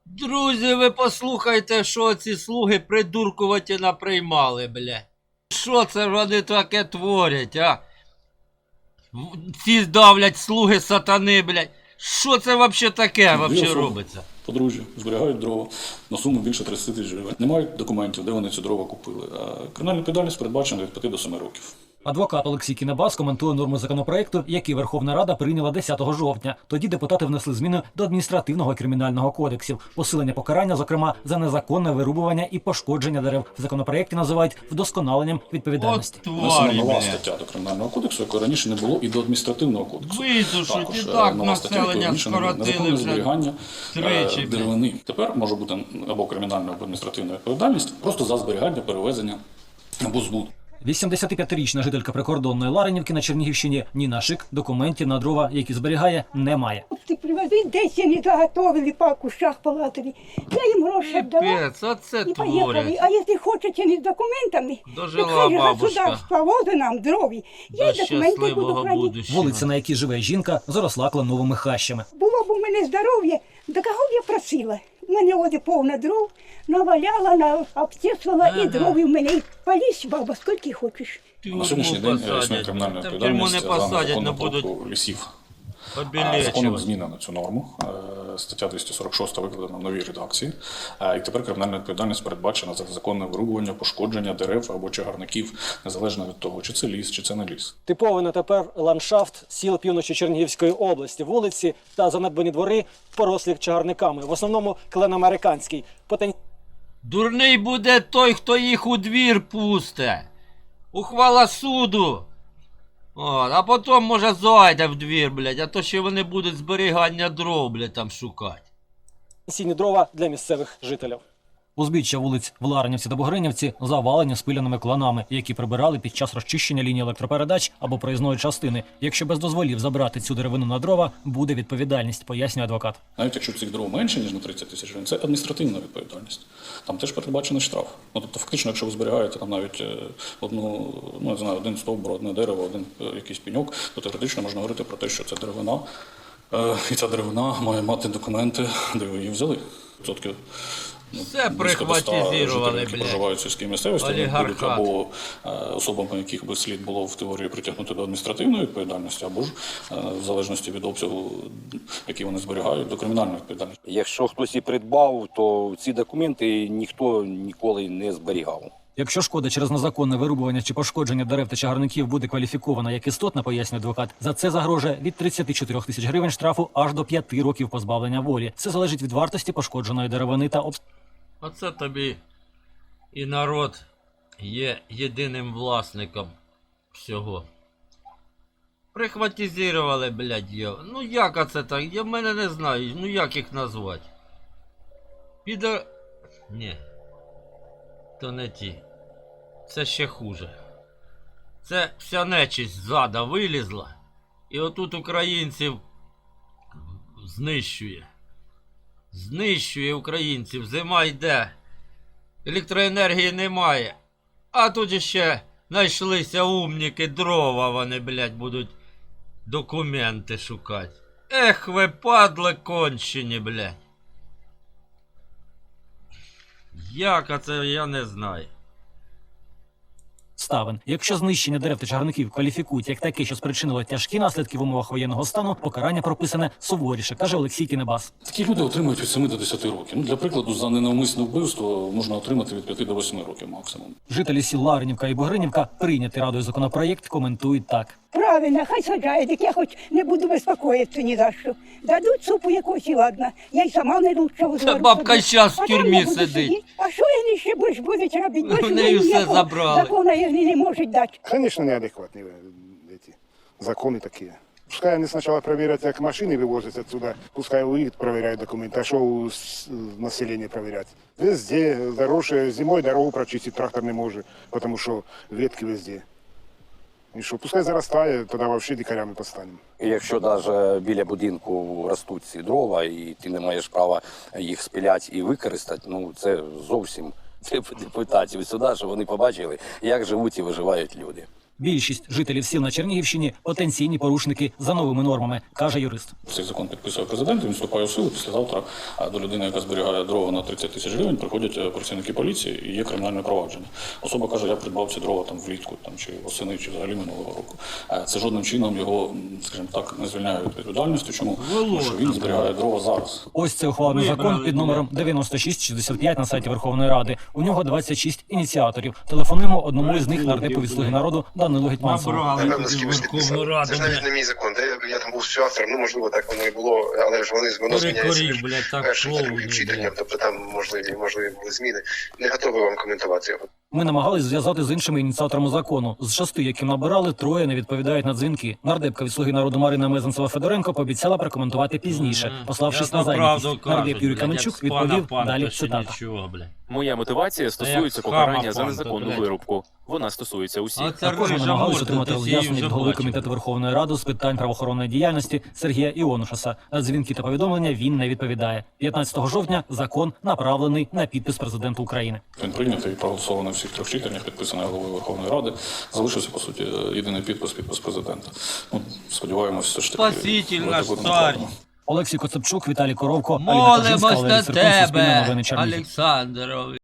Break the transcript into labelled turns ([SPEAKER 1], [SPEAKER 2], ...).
[SPEAKER 1] Друзі, ви послухайте, що ці слуги придуркуваті наприймали, блядь. Що це вони таке творять, а? Ці давлять слуги сатани, блядь. Що це вообще таке вообще робиться?
[SPEAKER 2] Подружжя зберігають дрова на суму більше 30 тисяч гривень. Не мають документів, де вони ці дрова купили. А кримінальна відповідальність передбачена від 5 до 7 років.
[SPEAKER 3] Адвокат Олексій Кінебас коментує норми законопроекту, який Верховна Рада прийняла 10 жовтня. Тоді депутати внесли зміни до адміністративного і кримінального кодексів. Посилення покарання, зокрема, за незаконне вирубування і пошкодження дерев. В законопроекті називають вдосконаленням відповідальності.
[SPEAKER 2] Внесена нова стаття до кримінального кодексу, якої раніше не було, і до адміністративного кодексу.
[SPEAKER 1] Видушуть, і
[SPEAKER 2] Також
[SPEAKER 1] так
[SPEAKER 2] нова стаття,
[SPEAKER 1] населення
[SPEAKER 2] якою
[SPEAKER 1] скоротили
[SPEAKER 2] незаконне
[SPEAKER 1] вже
[SPEAKER 2] зберігання
[SPEAKER 1] тричі.
[SPEAKER 2] деревини. Тепер може бути або кримінальна, або адміністративна відповідальність просто за зберігання, перевезення або збут.
[SPEAKER 3] 85-річна жителька прикордонної Ларинівки на Чернігівщині Ніна Шик документів на дрова, які зберігає, не має.
[SPEAKER 4] Ти привези, десь вони заготовили по кущах палатові. Я їм гроші віддала
[SPEAKER 1] Піпець, оце
[SPEAKER 4] і поїхали.
[SPEAKER 1] творять.
[SPEAKER 4] А якщо хочете не з документами,
[SPEAKER 1] Дожила
[SPEAKER 4] то хай же
[SPEAKER 1] бабушка.
[SPEAKER 4] государство возить нам дрові. Я
[SPEAKER 1] До
[SPEAKER 4] й документи буду
[SPEAKER 1] щасливого
[SPEAKER 4] хранити.
[SPEAKER 1] будущего.
[SPEAKER 3] Вулиця, на якій живе жінка, заросла кленовими хащами.
[SPEAKER 4] Було б у мене здоров'я, до кого б я просила? У мене ось повна дров, наваляла, обтесувала, і дров у мене. І полізь, баба, скільки хочеш.
[SPEAKER 2] На сьогоднішній день існує кримінальна
[SPEAKER 1] Та в тюрму
[SPEAKER 2] відповідальність
[SPEAKER 1] не
[SPEAKER 2] за
[SPEAKER 1] посадять,
[SPEAKER 2] незаконну
[SPEAKER 1] не будуть
[SPEAKER 2] порубку лісів. Законом
[SPEAKER 1] обілечувати.
[SPEAKER 2] змінено цю норму. Стаття 246 викладена в новій редакції. І тепер кримінальна відповідальність передбачена за законне вирубування, пошкодження дерев або чагарників, незалежно від того, чи це ліс, чи це не ліс.
[SPEAKER 3] Типовий на тепер ландшафт сіл півночі Чернігівської області, вулиці та занедбані двори порослі чагарниками, в основному клен-американський.
[SPEAKER 1] Дурний буде той, хто їх у двір пусте. Ухвала суду. От, а потім, може, зайде в двір, блядь, а то ще вони будуть зберігання дров, блядь, там шукати.
[SPEAKER 3] Сіні дрова для місцевих жителів. Узбіччя вулиць в Ларинівці та Бугринівці завалені спиляними кланами, які прибирали під час розчищення лінії електропередач або проїзної частини. Якщо без дозволів забрати цю деревину на дрова, буде відповідальність, пояснює адвокат.
[SPEAKER 2] Навіть якщо цих дров менше, ніж на 30 тисяч гривень, це адміністративна відповідальність. Там теж передбачений штраф. Ну, тобто, фактично, якщо ви зберігаєте там навіть одну, ну, не знаю, один стовбур, одне дерево, один якийсь пеньок, то теоретично можна говорити про те, що це деревина. І ця деревина має мати документи, де ви її взяли. Відсотки.
[SPEAKER 1] Все прихватизировали,
[SPEAKER 2] які проживають в сільській місцевості, вони будуть
[SPEAKER 1] олігархат.
[SPEAKER 2] або особами, яких би слід було в теорії притягнути до адміністративної відповідальності, або ж в залежності від обсягу, який вони зберігають, до кримінальної відповідальності.
[SPEAKER 5] Якщо хтось і придбав, то ці документи ніхто ніколи не зберігав.
[SPEAKER 3] Якщо шкода через незаконне вирубування чи пошкодження дерев та чагарників буде кваліфікована як істотна, пояснює адвокат, за це загрожує від 34 тисяч гривень штрафу аж до 5 років позбавлення волі. Це залежить від вартості пошкодженої деревини та
[SPEAKER 1] Оце тобі і народ є єдиним власником всього. Прихватизировали, блядь, його. Ну як оце так? Я в мене не знаю, ну як їх назвати? Ні. То не ті. Це ще хуже. Це вся нечисть ззада вилізла. І отут українців знищує. Знищує українців. Зима йде. Електроенергії немає. А тут іще знайшлися умніки, дрова вони, блядь, будуть документи шукати. Ех, ви падли кончені, блядь. Як це, я не знаю.
[SPEAKER 3] обставин. Якщо знищення дерев та чагарників кваліфікують як таке, що спричинило тяжкі наслідки в умовах воєнного стану, покарання прописане суворіше, каже Олексій Кінебас.
[SPEAKER 2] Такі люди отримують від 7 до 10 років. Ну, для прикладу, за ненавмисне вбивство можна отримати від 5 до 8 років максимум.
[SPEAKER 3] Жителі сіл Ларинівка і Бугринівка, прийнятий радою законопроєкт, коментують так.
[SPEAKER 4] Правильно, хай саджають, як я хоч не буду безпокоїтися ні за що. Дадуть супу якусь і ладно. Я й сама не лучше
[SPEAKER 1] Та бабка щас в тюрмі сидить.
[SPEAKER 4] А що вони ще більш будуть робити?
[SPEAKER 1] В неї все забрали.
[SPEAKER 4] Закону їх не можуть дати.
[SPEAKER 6] Конечно, неадекватные эти законы такие. Пускай они сначала проверят, как машины вывозят отсюда, пускай уедут, проверяют документы, а что у населения проверять? Везде дороже, зимой дорогу прочистить трактор не может, потому что ветки везде. І що, пускай заростає, тоді взагалі дикарями постанемо.
[SPEAKER 5] І якщо навіть біля будинку ростуть ці дрова, і ти не маєш права їх спиляти і використати, ну це зовсім депутатів сюди, щоб вони побачили, як живуть і виживають люди.
[SPEAKER 3] Більшість жителів сіл на Чернігівщині – потенційні порушники за новими нормами, каже юрист.
[SPEAKER 2] Цей закон підписує президент, він вступає в силу. Післязавтра до людини, яка зберігає дрова на 30 тисяч гривень, приходять працівники поліції і є кримінальне провадження. Особа каже, я придбав ці дрова там влітку, там чи восени, чи взагалі минулого року. Це жодним чином його, скажімо так, не звільняє від відповідальності. Чому? Тому що він зберігає дрова зараз.
[SPEAKER 3] Ось це ухвалений закон під номером 9665 на сайті Верховної Ради. У нього 26 ініціаторів. Телефонуємо одному із них, нардепу від «Слуги народу» Данилу Гетманцеву.
[SPEAKER 7] Напевно, з кимось підписав. Це ж навіть не мій закон, я там був співавтором, можливо, так воно і було, але ж воно зміняється першим, другим читанням, тобто там можливі були зміни. Не готовий вам коментувати його.
[SPEAKER 3] Ми намагались зв'язати з іншими ініціаторами закону. З 6, яким набирали, 3 не відповідають на дзвінки. Нардепка від «Слуги народу» Марина Мезенцева-Федоренко пообіцяла прокоментувати пізніше, пославшись на зайнятість. Нардеп Юрій Каменчук відповів, далі цитата.
[SPEAKER 8] Моя мотивація стосується покарання за незаконну вирубку. Вона стосується усіх.
[SPEAKER 3] Також ми намагалися отримати роз'яснення від голови Комітету Верховної Ради з питань правоохоронної діяльності Сергія Іонушаса. На дзвінки та повідомлення він не відповідає. 15 жовтня закон направлений на підпис президенту України.
[SPEAKER 2] Він прийнятий і проголосований у всіх 3 читаннях, підписаний головою Верховної Ради. Залишився, по суті, єдиний підпис президента. Сподіваємося, все ж таки.
[SPEAKER 1] Спаситель наш цар.
[SPEAKER 3] Олексій Коцепчук, Віталій Коровко, Аліна Кожинська,
[SPEAKER 1] Молимось
[SPEAKER 3] Валерій
[SPEAKER 1] на
[SPEAKER 3] Серкун, Суспільне
[SPEAKER 1] тебе,
[SPEAKER 3] новини Чернігів.
[SPEAKER 1] Олександрович.